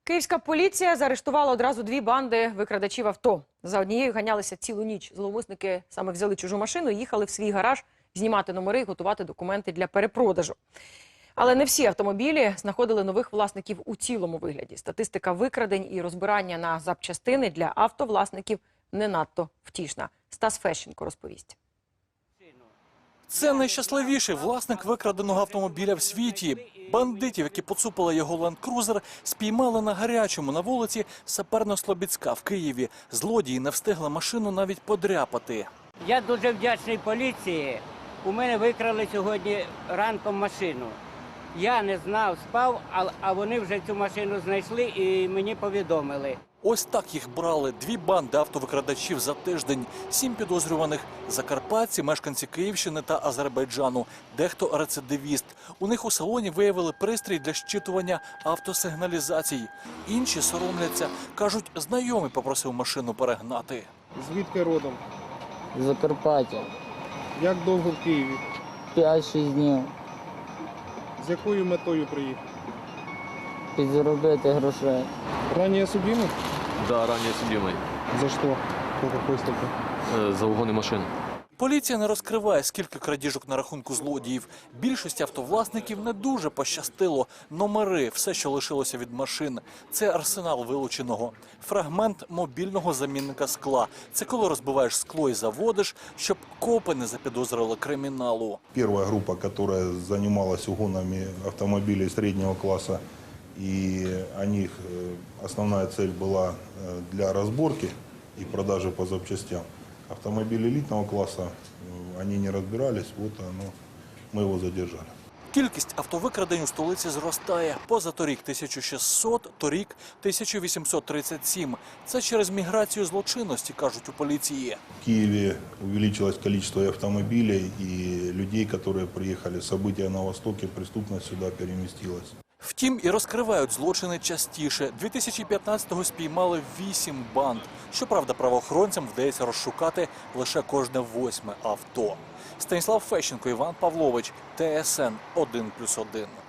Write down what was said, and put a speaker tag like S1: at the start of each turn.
S1: Київська поліція заарештувала одразу дві банди викрадачів авто. За однією ганялися цілу ніч. Зловмисники саме взяли чужу машину, їхали в свій гараж знімати номери і готувати документи для перепродажу. Але не всі автомобілі знаходили нових власників у цілому вигляді. Статистика викрадень і розбирання на запчастини для автовласників не надто втішна. Стас Фещенко розповість.
S2: Це найщасливіший власник викраденого автомобіля в світі. Бандитів, які поцупили його ленд-крузер, спіймали на гарячому на вулиці Саперно-Слобідська в Києві. Злодії не встигли машину навіть подряпати.
S3: Я дуже вдячний поліції. У мене викрали сьогодні ранком машину. Я не знав, спав, а вони вже цю машину знайшли і мені повідомили.
S2: Ось так їх брали дві банди автовикрадачів за тиждень. 7 підозрюваних – закарпатці, мешканці Київщини та Азербайджану. Дехто рецидивіст. У них у салоні виявили пристрій для щитування автосигналізацій. Інші соромляться. Кажуть, знайомий попросив машину перегнати.
S4: Звідки родом?
S5: Закарпаття.
S4: Як довго в Києві?
S5: 5-6 днів.
S4: З якою метою приїхав?
S5: Підзаробити грошей.
S4: Ранее судимый?
S6: Да, ранее судимый.
S4: За что? По какой статье?
S6: За угоны машин.
S2: Поліція не розкриває, скільки крадіжок на рахунку злодіїв. Більшості автовласників не дуже пощастило. Номери – все, що лишилося від машин. Це арсенал вилученого. Фрагмент мобільного замінника скла. Це коли розбиваєш скло і заводиш, щоб копи не запідозрили криміналу.
S7: Первая группа, которая занималась угонами автомобилей среднего класса, и у них основная цель была для разборки и продажи по запчастям. Автомобили элитного класса, они не разбирались, вот мы его задержали.
S2: Кількість автовикрадень у столиці зростає. Позаторік 1600, торік 1837. Це через міграцію злочинності, кажуть у поліції.
S7: В Киеве увеличилось количество автомобилей и людей, которые приехали. События на Востоке, преступность сюда переместилась.
S2: Втім, і розкривають злочини частіше. 2015-го спіймали 8 банд. Щоправда, правоохоронцям вдається розшукати лише кожне 8-ме авто. Станіслав Фещенко, Іван Павлович, ТСН 1+1.